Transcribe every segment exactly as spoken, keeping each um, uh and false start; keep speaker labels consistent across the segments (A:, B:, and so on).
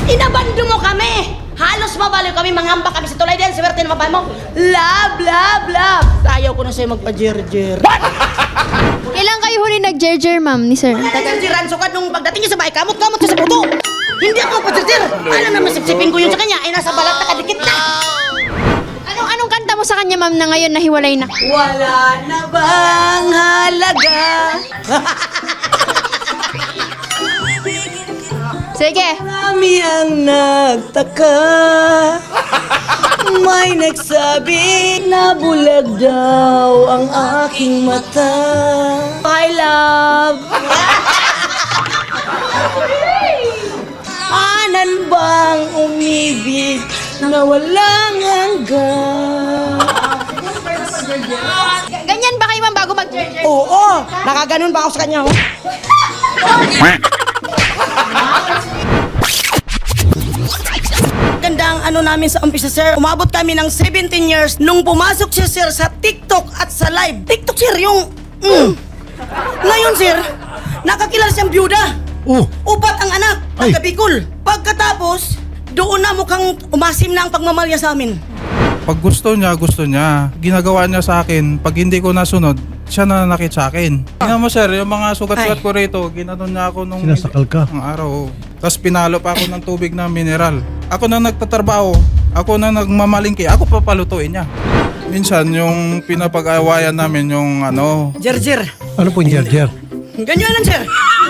A: Inabando mo kami! Halos mabaliw kami, mangamba kami sa tulay din, swerte na babae mo. Love, love, love! Ayaw ko na sa'yo magpa-jer-jer.
B: Kailan kayo huli nag-jer-jer, ma'am, ni sir?
A: Nag-jer-jeran sukad nung pagdating niya sa bahay, kamot-kamot ka sa puto. Hindi ako magpa-jer-jer. Alam naman, sipsipin ko yun sa kanya, ay nasa balat na kadikit na.
B: Anong anong kanta mo sa kanya, ma'am, na ngayon nahiwalay na?
A: Wala na bang halaga?
B: Sige.
A: Marami ang nagtaka. May nagsabi na bulag daw ang aking mata. I love. Anan bang umibig na walang hanggan?
B: Ganyan ba kayo, ma'am, bago mag-jer-jer?
A: Oo, nakaganon ba ako sa kanya? Oh? Ganda ang ano namin sa umpisa, sir. Umabot kami ng seventeen years nung pumasok siya, sir, sa TikTok at sa live. TikTok, sir, yung... Mm. Ngayon, sir, nakakilala siyang byuda.
C: Oh,
A: Upat ang anak,
C: Ay.
A: taga Bicol. Pagkatapos, doon na mukhang umasim na ang pagmamalya sa amin.
C: pag gusto niya, gusto niya. Ginagawa niya sa akin. Pag hindi ko nasunod, siya na nanakit sa akin. Tingnan mo sir, yung mga sugat-sugat
A: Ay.
C: ko rito, ginanon niya ako nung...
D: Sinasakal ka?
C: Ang araw. Tapos pinalo pa ako ng tubig na mineral. Ako na nagtatrabaho, ako na nagmamalingki, ako papalutuin niya. Minsan yung pinapag-awayan namin yung ano...
A: Jer-jer.
D: Ano po yung jer-jer?
A: Ganyan lang, sir.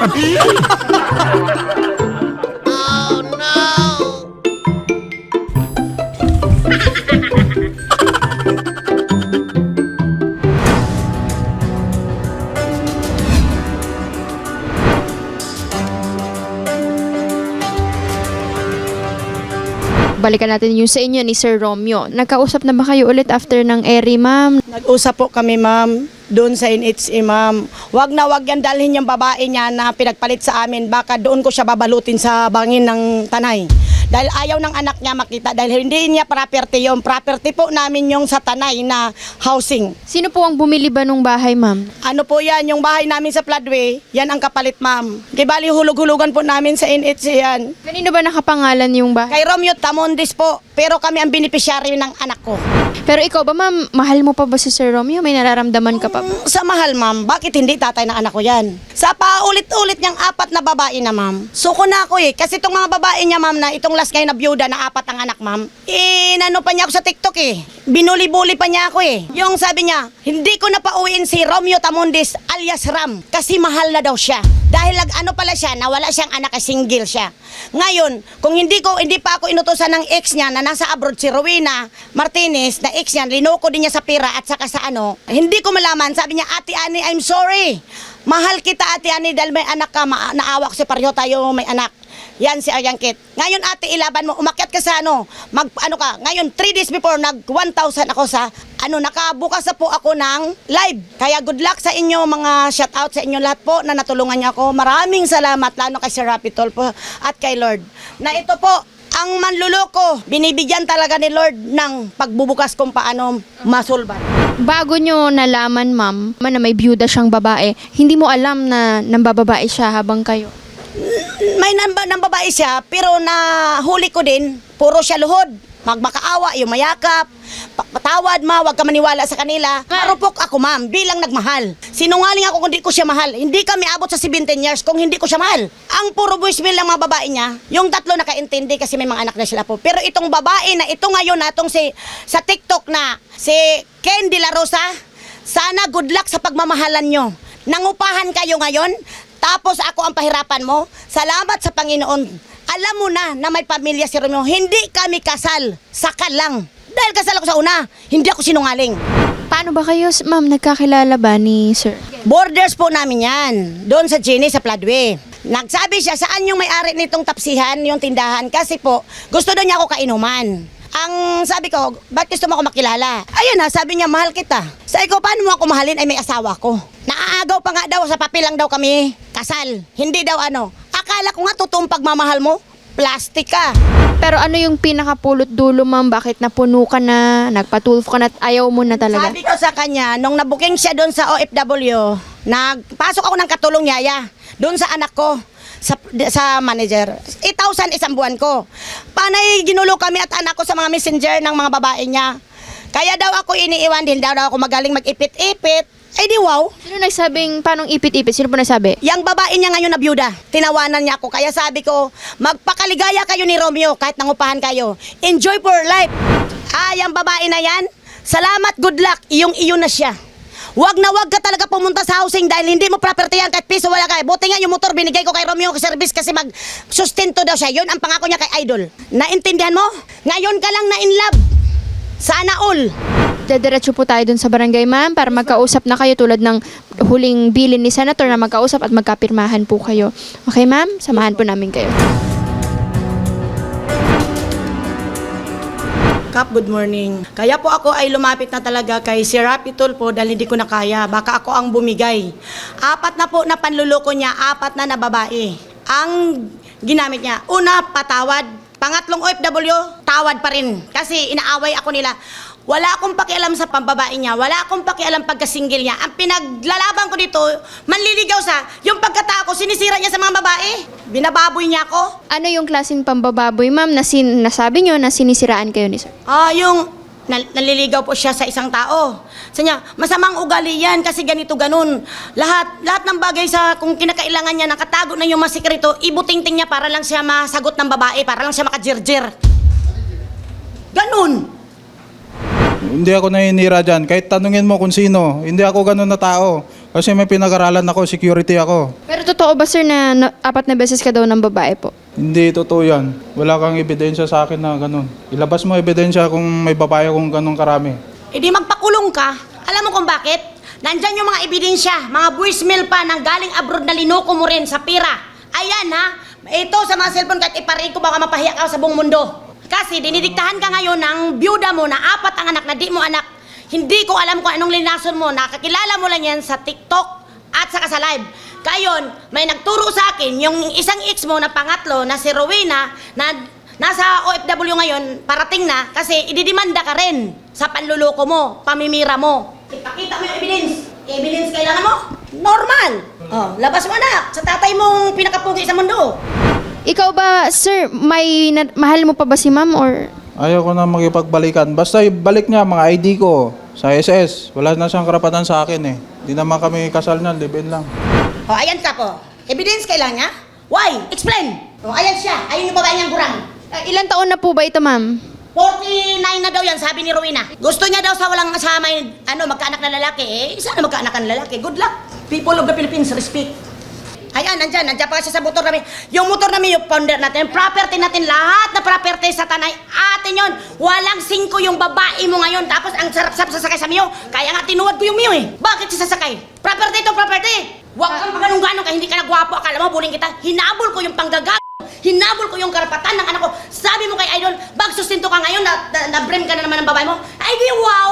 B: Balikan natin yung sa inyo ni Sir Romeo. Nagkausap na ba kayo ulit after ng eri, ma'am?
A: Nag-usap po kami, ma'am, doon sa N H A, ma'am. Wag na wag yan dalhin yung babae niya na pinagpalit sa amin. Baka doon ko siya babalutin sa bangin ng tanay. Dahil ayaw ng anak niya makita. Dahil hindi niya property yung property po namin yung sa tanay na housing.
B: Sino po ang bumili ba nung bahay, ma'am?
A: Ano po yan, yung bahay namin sa Floodway, yan ang kapalit, ma'am. Di bali hulog-hulugan po namin sa N H A yan.
B: Kanino ba nakapangalan yung bahay?
A: Kay Romeo Tamondis po, pero kami ang beneficiary ng anak ko.
B: Pero ikaw ba, ma'am, mahal mo pa ba si Sir Romeo? May nararamdaman ka pa ba?
A: Sa mahal, ma'am, bakit hindi tatay ng anak ko yan? Sa paulit-ulit niyang apat na babae na, ma'am. Suko na ako eh. Kasi itong mga babae niya, ma'am, na itong last ngayon na byuda na apat ang anak, ma'am. Eh, nano pa niya ako sa TikTok eh. Binuli-buli pa niya ako eh. Yung sabi niya, hindi ko na pauwiin si Romeo Tamondis alias Ram kasi mahal na daw siya. Dahil lag ano pala siya, nawala siyang anak, single siya. Ngayon, kung hindi ko hindi pa ako inutosan ng ex niya na nasa abroad si Rowena Martinez, na ex niya, linoko din niya sa pera at saka sa ano, hindi ko malaman. Sabi niya, Ate Ani, I'm sorry. Mahal kita, Ate Ani, dahil may anak ka, ma- naawa ko si pareho tayo may anak. Yan si Aryan Kit. Ngayon, ate, ilaban mo. Umakyat ka sa ano. Mag, ano ka. Ngayon, three days before, nag one thousand ako sa, ano, nakabukas na po ako ng live. Kaya good luck sa inyo, mga shout out sa inyo lahat po na natulungan niyo ako. Maraming salamat, lalo kay Sir Rapitol po at kay Lord. Na ito po, ang manluloko, binibigyan talaga ni Lord ng pagbubukas kung paano masulban.
B: Bago nyo nalaman, ma'am, na may byuda siyang babae, hindi mo alam na nambababae siya habang kayo?
A: May namba, nambabae siya, pero nahuli ko din, puro siya luhod. Magmakaawa, yung mayakap, pa- patawad ma, wag ka maniwala sa kanila. Marupok ako, ma'am, bilang nagmahal. Sinungaling ako kung hindi ko siya mahal. Hindi kami abot sa seventeen years kung hindi ko siya mahal. Ang puro voicemail ng mga babae niya, yung tatlo nakaintindi kasi may mga anak na sila po. Pero itong babae na ito ngayon na itong si, sa TikTok na si Ken De La Rosa, sana good luck sa pagmamahalan nyo. Nangupahan kayo ngayon, tapos ako ang pahirapan mo. Salamat sa Panginoon. Alam mo na na may pamilya si Romeo. Hindi kami kasal. Sakal lang. Dahil kasal ako sa una, hindi ako sinungaling.
B: Paano ba kayo, ma'am, nagkakilala ba ni Sir?
A: Borders po namin yan. Doon sa Jenny, sa Floodway. Nagsabi siya, saan yung may-ari nitong tapsihan, yung tindahan? Kasi po, gusto daw niya ako kainuman. Ang sabi ko, ba't gusto mo ako makilala? Ayun na, sabi niya, mahal kita. Sabi ko, paano mo ako mahalin? Ay may asawa ko. Naaagaw pa nga daw, sa papel lang daw kami kasal. Hindi daw ano. Akala ko nga totoong pagmamahal mo, plastic ka.
B: Pero ano yung pinakapulot dulo, ma'am? Bakit napuno ka na, nagpatulfo ka na at ayaw mo na talaga?
A: Sabi ko sa kanya, nung nabuking siya doon sa O F W, nagpasok ako ng katulong yaya, doon sa anak ko. sa, sa manager. eight thousand isang buwan ko. Panay ginulo kami at anak ko sa mga messenger ng mga babae niya. Kaya daw ako iniiwan din, daw, daw ako magaling mag-ipit-ipit. Ay di wow.
B: Sino nagsabing paanong ipit-ipit? Sino po nagsabi?
A: Yang babae niya ngayon na byuda, tinawanan niya ako. Kaya sabi ko, magpakaligaya kayo ni Romeo kahit nangupahan kayo. Enjoy for life. Ah, yung babae na yan, salamat, good luck, iyong iyo na siya. Wag na wag ka talaga pumunta sa housing dahil hindi mo property yan kahit piso wala ka. Buti nga yung motor binigay ko kay Romeo service kasi mag-sustento daw siya. Yun ang pangako niya kay Idol. Naintindihan mo? Ngayon ka lang na in love. Sana all.
B: Dediretso po tayo dun sa barangay, ma'am, para magkausap na kayo tulad ng huling bilin ni Senator na magkausap at magkapirmahan po kayo. Okay, ma'am? Samahan po namin kayo.
A: Kap, good morning. Kaya po ako ay lumapit na talaga kay si Rapi Tulfo dahil hindi ko na kaya. Baka ako ang bumigay. Apat na po na panluloko niya, apat na na babae. Ang ginamit niya, una, patawad. Pangatlong O F W, tawad pa rin. Kasi inaaway ako nila. Wala akong pakialam sa pambabae niya. Wala akong pakialam pagka-single niya. Ang pinaglalaban ko dito, manliligaw sa, yung pagkatao ko, sinisira niya sa mga babae. Binababoy niya ako.
B: Ano yung klaseng pambababoy, ma'am, na sin nasabi nyo na sinisiraan kayo ni sir?
A: Ah, yung nal- naliligaw po siya sa isang tao. Sa niya, masamang ugali yan kasi ganito ganun. Lahat lahat ng bagay sa kung kinakailangan niya nakatago na yung mga sikreto, ibutingting niya para lang siya masagot ng babae, para lang siya makajirjir. Ganun.
C: Hindi ako naninira dyan. Kahit tanungin mo kung sino, hindi ako ganun na tao. Kasi may pinag-aralan ako, security ako.
B: Pero totoo ba, sir, na, na apat na beses ka daw ng babae po?
C: Hindi totoo yan. Wala kang ebidensya sa akin na ganun. Ilabas mo ebidensya kung may babae kung ganun karami.
A: E di magpakulong ka. Alam mo kung bakit? Nandyan yung mga ebidensya, mga voicemail pa nang galing abroad na linoko mo rin sa pira. Ayan ha, ito sa mga cellphone kahit iparin ko baka mapahiya ka sa buong mundo. Kasi dinidiktahan ka ngayon ng byuda mo na apat ang anak na di mo anak. Hindi ko alam kung anong linason mo. Nakakilala mo lang yan sa TikTok at saka sa live. Kayon, may nagturo sa akin yung isang ex mo na pangatlo na si Rowena na nasa O F W ngayon, parating na kasi ididimanda ka rin sa panluloko mo, pamimira mo. Ipakita mo yung evidence. Evidence kailangan mo? Normal. Oh, labas mo anak sa tatay mong pinakapugi sa mundo.
B: Ikaw ba, sir, may na- mahal mo pa ba si ma'am or...
C: Ayaw ko na makipagbalikan. Basta ibalik niya mga I D ko sa S S. Wala na siyang karapatan sa akin eh. Hindi naman kami kasal niyan, live-in lang.
A: Oh, ayan ka po. Evidence kailangan niya? Why? Explain. Oh, ayan siya. Ayun yung babae niyang gurang.
B: Ah, ilang taon na po ba ito, ma'am?
A: forty-nine na daw yan, sabi ni Rowena. Gusto niya daw sa walang kasama yung, ano, magkaanak na lalaki. Eh, sana magkaanak na lalaki. Good luck. People of the Philippines, respect. Ayan, nandyan, nandyan pa siya sa motor namin. Yung motor namin, yung founder natin, yung property natin, lahat na property sa tanay, atin yun. Walang singko yung babae mo ngayon. Tapos ang sarap-sarap sasakay sa Mio. Kaya nga tinuwad ko yung Mio eh. Bakit siya sasakay? Property to property. Huwag kang paganong-ganong kaya hindi ka nagwapo. Akala mo, buling kita. Hinabol ko yung panggagap. Hinabol ko yung karapatan ng anak ko. Sabi mo kay Idol, bag sustinto ka ngayon, na, na, na-brem ka na naman ng babae mo. Ay, di wow!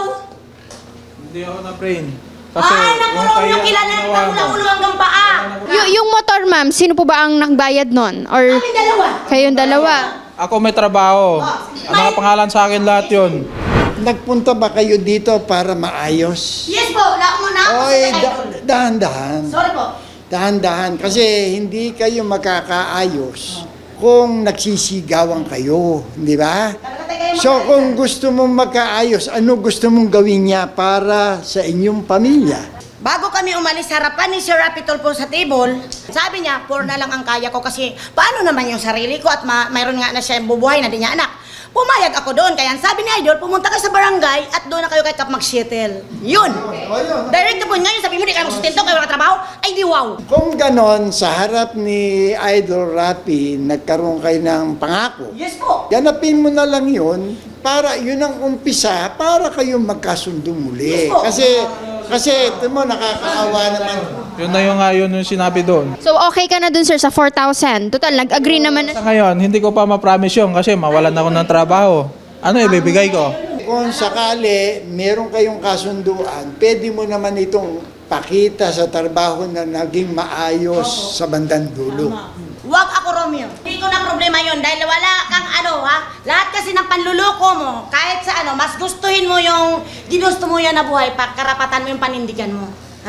C: Hindi ako na-brain.
A: Ay, naku, yung kilala na kita mula ulo hanggang paa.
B: Y- yung motor, ma'am, sino po ba ang nagbayad nun? Or
A: Kami dalawa.
B: kayong dalawa?
C: Ako may trabaho. Ang nakapangalan sa akin lahat yun.
D: Nagpunta ba kayo dito para maayos?
A: Yes po, wala mo na ako sa
D: Oy,
A: Idol.
D: da- dahan-dahan.
A: Sorry po.
D: Dahan-dahan. Kasi hindi kayo makakaayos kung nagsisigawan kayo. Di ba?
A: Talaga kayo
D: So kung gusto mong magkaayos, ano gusto mong gawin niya para sa inyong pamilya?
A: Bago kami umalis, harapan ni Sir Rapi Tulfo sa table, sabi niya, four na lang ang kaya ko kasi paano naman yung sarili ko at ma- mayroon nga na siya bubuhay na di niya anak. Pumayag ako doon, kaya sabi ni Idol, pumunta ka sa barangay at doon na kayo kay Kap mag-settle. Yun. Direct po, ngayon sabi mo, di kayo magsustento, kayo wala trabaho. Ay di wow.
D: Kung ganon, sa harap ni Idol Rapi, nagkaroon kayo ng pangako.
A: Yes po.
D: Ganapin mo na lang yun para yun ang umpisa para kayo magkasundo muli.
A: Yes po.
D: Kasi kasi ito mo nakakaawa naman.
C: Yun na yung nga yun yung sinabi doon.
B: So, okay ka na dun, sir, sa four thousand? Total, nag-agree naman na...
C: Sa ngayon, hindi ko pa ma-promise yun kasi mawalan ako ng trabaho. Ano ibibigay ko?
D: Kung sakali meron kayong kasunduan, pwede mo naman itong pakita sa trabaho na naging maayos sa bandang dulo.
A: Huwag ako, Romeo. Hindi ko na problema yon dahil wala kang ano, ha? Lahat kasi ng panluloko mo, kahit sa ano, mas gustuhin mo yung ginusto mo yan na buhay, pagkarapatan mo yung panindigan mo. Ha?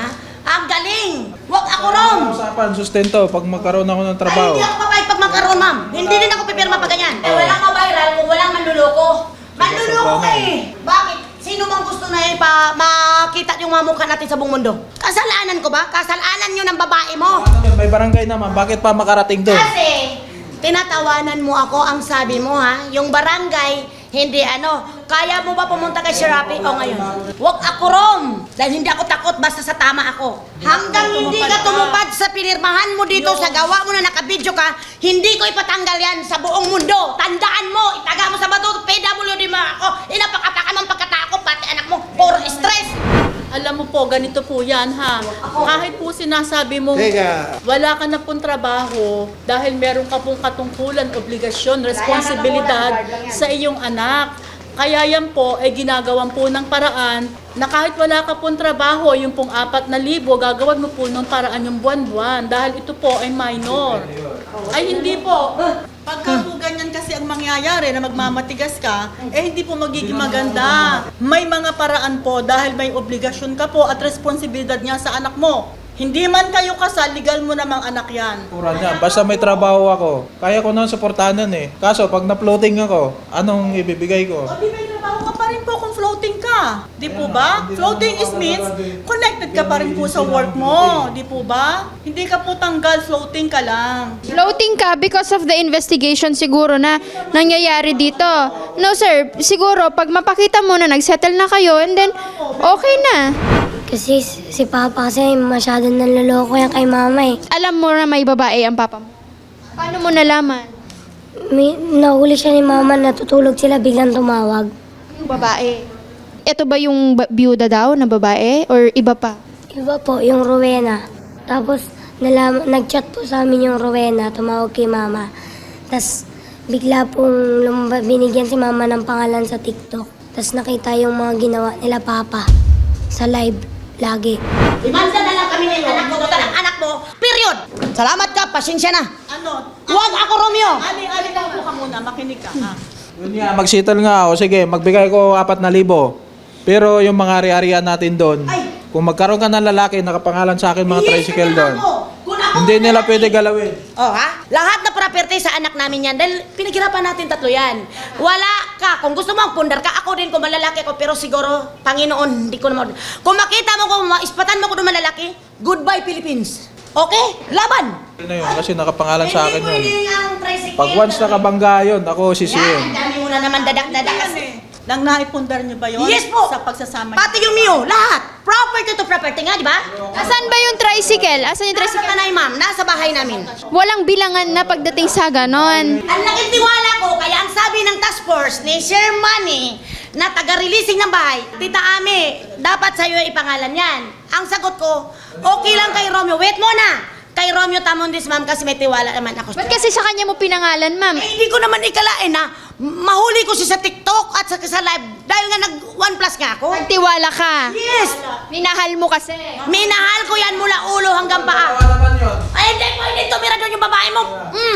A: Ang galing! Huwag ako rom!
C: Usapan, sustento, pag magkaroon ako ng
A: Ay,
C: trabaho.
A: hindi ako papayag pag magkaroon, ma'am. Hindi din ako pipirma pa ganyan. Eh, walang ma-viral kung walang manluloko. Manluloko ka eh. Bakit? Sino bang gusto na eh, pa makita yung mga mukha natin sa buong mundo? Kasalanan ko ba? Kasalanan yun ng babae mo.
C: Ano yun, may barangay naman, bakit pa makarating doon?
A: Kasi, tinatawanan mo ako ang sabi mo ha, yung barangay, hindi ano, kaya mo ba pumunta kay Shirapi o ngayon? Huwag ako rom, dahil hindi ako takot basta sa tama ako. Hanggang hindi ka tumupad sa pinirmahan mo dito, sa gawa mo na nakabidyo ka, hindi ko ipatanggal yan sa buong mundo. Tandaan mo, itaga mo sa bato, P W D mo ako, inapakataka ng pagkatako, pati anak mo, puro stress.
E: Alam mo po, ganito po yan ha. Kahit po sinasabi mo,
D: Teka.
E: wala ka na pong trabaho dahil meron ka pong katungkulan, obligasyon, responsibilidad sa iyong anak. Kaya yan po ay ginagawan po ng paraan na kahit wala ka pong trabaho, yung pong apat na libo, gagawan mo po ng paraan yung buwan-buwan dahil ito po ay minor. Ay hindi po. Pagka po ganyan kasi ang mangyayari na magmamatigas ka, eh hindi po magiging maganda. May mga paraan po dahil may obligasyon ka po at responsibilidad niya sa anak mo. Hindi man kayo kasal, legal mo namang anak yan.
C: Pura niya, basta may trabaho ako. Kaya ko nang suportahan nun eh. Kaso pag na-floating ako, anong ibibigay ko?
E: O di may trabaho ka pa rin po kung floating ka. Di po ba? Floating is means connected ka pa rin po sa work mo. Di po ba? Hindi ka po tanggal, floating ka lang.
B: Floating ka because of the investigation siguro na nangyayari dito. No sir, siguro pag mapakita mo na nagsettle na kayo and then okay na.
F: Kasi si Papa kasi masyadong nanloloko yan kay Mama eh.
B: Alam mo na may babae ang papa mo. Paano mo nalaman?
F: May, nahuli siya ni Mama, natutulog sila, biglang tumawag.
B: Yung babae. Ito ba yung ba- byuda daw na babae or iba pa?
F: Iba po, yung Rowena. Tapos nalam, nag-chat po sa amin yung Rowena, tumawag kay Mama. Tapos bigla pong lumaba, binigyan si Mama ng pangalan sa TikTok. Tapos nakita yung mga ginawa nila Papa sa live lagi.
A: Imanda na lang kami ng anak mo, total ang anak mo, period. Salamat ka, pasensya na.
E: Ano?
A: Huwag ako Romeo.
E: Ali, ali lang po ka muna, makinig ka ha.
C: Yun nga, mag-settle nga ako. Sige, magbigay ko apat na libo. Pero yung mga ari-arian natin doon,
A: Ay!
C: kung magkaroon ka ng lalaki, nakapangalan sa akin mga
A: Yes,
C: tricycle
A: na
C: doon.
A: ako. Kung ako
C: Hindi nila
A: lalaki-
C: pwede galawin.
A: Oh ha? Lahat na property sa anak namin yan. Dahil pinaghirapan natin tatlo yan. Wala ka. Kung gusto mo ang pundar ka, ako din kung malalaki ako. Pero siguro, Panginoon, hindi ko naman. Kung makita mo kung maispatan mo ko ng malalaki, goodbye Philippines. Okay? Laban!
C: Yun na yun, kasi nakapangalan sa akin
A: Hindi
C: yun.
A: pwede ang tricycle.
C: Pag once nakabangga yun, ako
A: Yan,
C: sisihin.
A: ang dami mo na naman dadak-dadak.
E: Yan eh. Nang naipundar niyo ba yun?
A: Yes po!
E: Sa pagsasama
A: Pati yung Mio, lahat. Property to property nga, di ba?
B: Asan ba yung tricycle? Asan yung
A: Nasa
B: tricycle?
A: tanay, ma'am. Nasa bahay namin.
B: Walang bilangan na pagdating sa ganon.
A: Ang laking tiwala ko, kaya ang sabi ng task force ni Sir Manny na taga-releasing ng bahay, Tita Ami, dapat sa'yo ipangalan yan. Ang sagot ko, okay lang kay Romeo. Wait muna! Kay Romeo Tamundis, ma'am, kasi may tiwala naman ako.
B: Ba't kasi sa kanya mo pinangalan, ma'am?
A: Eh, hindi ko naman ikalain na mahuli ko siya sa TikTok at sa, sa live dahil nga nag one plus nga ako.
B: Nagtiwala ka.
A: Yes!
B: Minahal mo kasi.
A: Minahal ko yan mula ulo hanggang paa. Ay, hindi pwede tumira doon yung babae mo. Mm.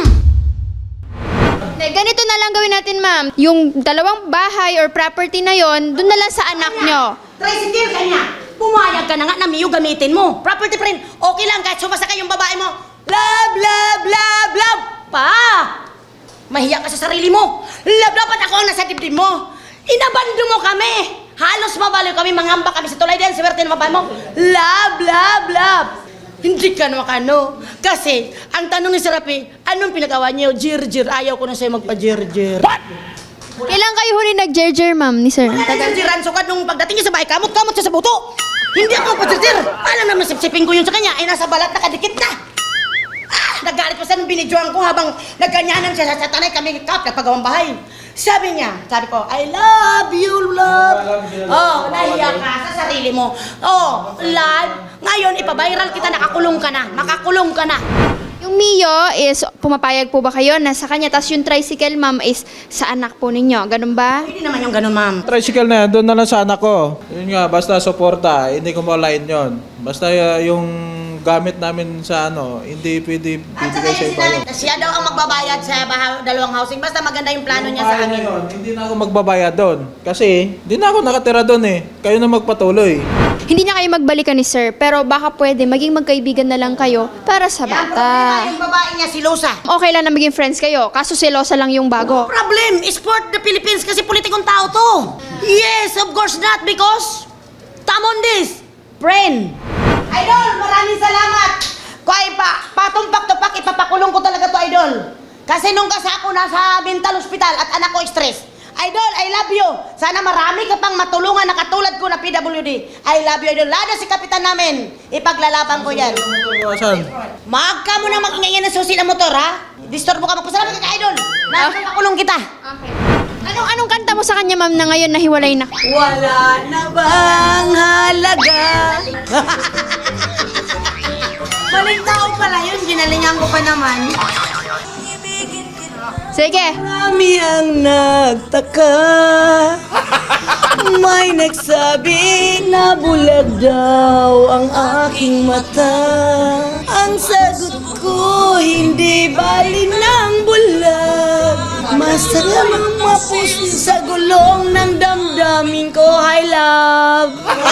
B: Ne, ganito na lang gawin natin, ma'am. Yung dalawang bahay or property na yon, doon na lang sa anak nyo.
A: Tricycle kanya. Pumayag ka na nga na Mio gamitin mo. Property friend, okay lang kahit sumasakay yung babae mo. Love, love, love, love. Pa! Mahiya ka sa sarili mo. Love, dapat ako ang nasa dibdib mo. Inabando mo kami. Halos mabaliw kami, mangamba kami sa tulay din. Swerte ng babae mo. Love, love, love. Hindi ka naman ano. Kasi, ang tanong ni Serapi, anong pinagawa niyo? Jir-jir. Ayaw ko na sa'yo magpa-jir-jir.
B: Kailan kayo huli nag-jerjer, ma'am, ni sir?
A: Nagsiran so nung pagdating niya sa bahay, kamot-kamot siya sa buto. Hindi ako patsitsir. Alam naman, sipsipin ko yun sa kanya, ay nasa balat nakadikit na. Ah, nagalit pa siya nung binidyoan ko habang nagganyanan siya sa tanay kami kap, nagpagawang bahay. Sabi niya, sabi ko, I love you, love. Oh, nahiya ka sa sarili mo. Oh, live. Ngayon, ipabiral kita, nakakulong ka na. Makakulong ka na.
B: Yung Mio is, pumapayag po ba kayo na sa kanya, tas yung tricycle, ma'am, is sa anak po ninyo. Ganun ba?
A: Hindi naman yung ganun, ma'am.
C: Tricycle na yan, doon na lang sa anak ko. Yun nga, basta suporta, hindi ko ma-line yun. Basta uh, yung gamit namin sa ano, hindi pwede
A: At saka
C: bibigay sa
A: yung
C: iba
A: sinabi
C: yun.
A: na siya daw ang magbabayad sa baha- dalawang housing. Basta maganda yung plano niya sa
C: Kaya na
A: akin.
C: yun, hindi na ako magbabayad doon. Kasi, hindi na ako nakatira doon eh. Kayo na magpatuloy.
B: hindi na kayo magbalikan ni sir, pero baka pwede maging magkaibigan na lang kayo para sa
A: Yan,
B: bata.
A: problema yung babae niya, si Losa.
B: Okay lang na maging friends kayo, kaso selosa lang yung bago.
A: Problem, sport the Philippines kasi politikong tao to. Yes, of course not because tamon this, friend. Idol, maraming salamat. Kaya pa, patumpak-tupak, ipapakulong ko talaga to, Idol. Kasi nung kasi ako nasa mental hospital at anak ko stress. Idol, I love you. Sana marami ka pang matulungan na katulad ko na P W D. I love you, Idol. Lalo si kapitan namin. Ipaglalaban ko yan.
C: Asan?
A: Mag ka mo na mag-ingay ng susi ng motor, ha? Disturbo ka, magpasalamat ka ka, Idol. Napakulong kita.
B: Anong anong kanta mo sa kanya, ma'am, na ngayon nahiwalay na?
A: Wala na bang halaga? Maling tao pala yun, ginalingan ko pa naman.
B: Sige.
A: Marami ang nagtaka, may nagsabi na bulag daw ang aking mata. Ang sagot ko, hindi bali ng bulag. Masarap ang mapusin sa gulong ng damdamin ko, I love.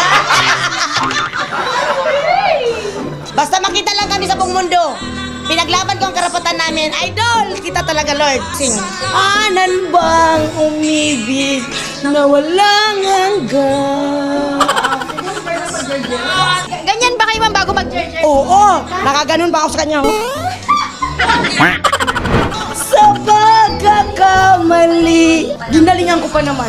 A: Basta makita lang kami sa buong mundo. Pinaglaban ko ang karapatan namin. Idol! Kita talaga, Lord. Sing. Anan bang umibig na walang hanggan?
B: Ganyan ba kayo, ma'am, bago mag-jerjer?
A: Oo! Nakaganon pa ako sa kanya. oh. Sa pagkakamali. Ginalingan ko pa naman.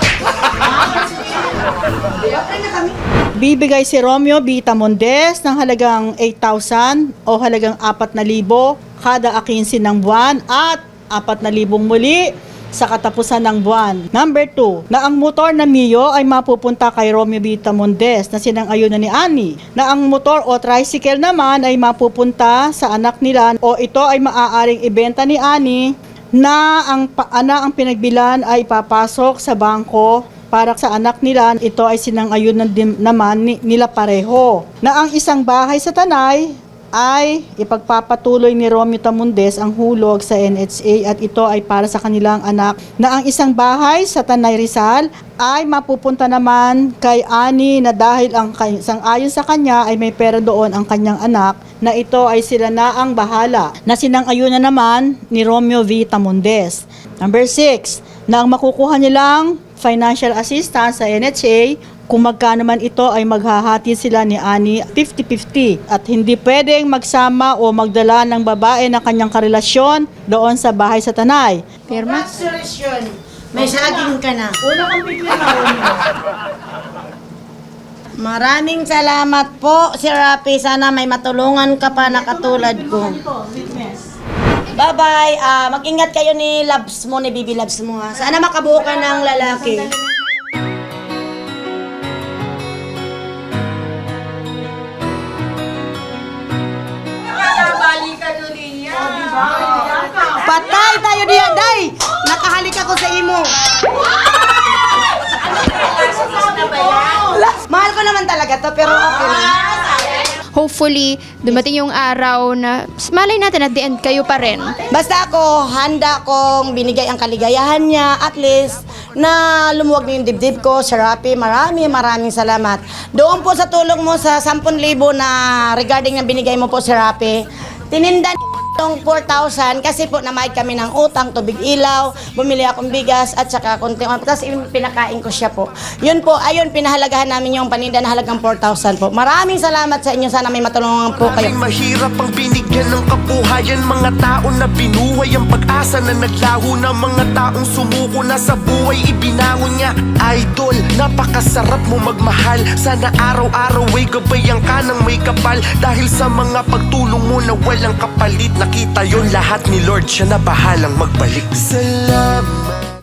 G: Bibigay si Romeo Vita Mondes ng halagang eight thousand o halagang four thousand kada akinsi ng buwan at four thousand muli sa katapusan ng buwan. Number two, na ang motor na Mio ay mapupunta kay Romeo Vita Mondes na sinang-ayunan ni Annie. Na ang motor o tricycle naman ay mapupunta sa anak nila o ito ay maaaring ibenta ni Annie na ang ana ang pinagbilan ay papasok sa bangko para sa anak nila. Ito ay sinang-ayunan din naman ni, nila pareho. Na ang isang bahay sa Tanay ay ipagpapatuloy ni Romeo Tamundes ang hulog sa N H A at ito ay para sa kanilang anak. Na ang isang bahay sa Tanay Rizal ay mapupunta naman kay Annie na dahil ang sang-ayon sa kanya ay may pera doon ang kanyang anak na ito ay sila na ang bahala. Na sinang-ayunan naman ni Romeo V. Tamundes. Number six, na ang makukuha nilang financial assistance sa N H A, kung magkano man ito ay maghahati sila ni Annie fifty fifty at hindi pwedeng magsama o magdala ng babae ng kanyang karelasyon doon sa bahay sa Tanay.
B: Pirma?
A: May saging ka na.
G: Una kang pipila.
A: Maraming salamat po, Sir Rapi. Sana may matulungan ka pa na katulad ko. Bye-bye. Ah, mag-ingat kayo ni Labs mo, ni Bibi Labs mo, ha. Sana makabuo ka ng lalaki. Patay tayo diya, day! Nakahalik ako sa imo. Mahal ko naman talaga to, pero okay lang.
B: Hopefully, dumating yung araw na malay natin at the end kayo pa rin.
A: Basta ako, handa kong binigay ang kaligayahan niya, at least na lumuwag na yung dibdib ko. Sir Rapi, maraming maraming salamat. Doon po sa tulong mo sa ten thousand na regarding na binigay mo po, Sir Rapi, tinindan yung four thousand kasi po namayad kami ng utang, tubig ilaw, bumili akong bigas at saka konti. Tapos pinakain ko siya po. Yun po, ayun, pinahalagahan namin yung paninda na halagang four thousand po. Maraming salamat sa inyo. Sana may matulungan po kayo.
H: Maraming mahirap ang binigyan ng kabuhayan. Mga tao na binuhay ang pag-asa na naglaho na mga taong sumuko na sa buhay ibinangon niya. Idol, napakasarap mo magmahal. Sana araw-araw ay gabayan ka ng may kapal. Dahil sa mga pagtulong mo na walang kapalit, nakita yon lahat ni Lord, siya na bahalang magbalik. Sa love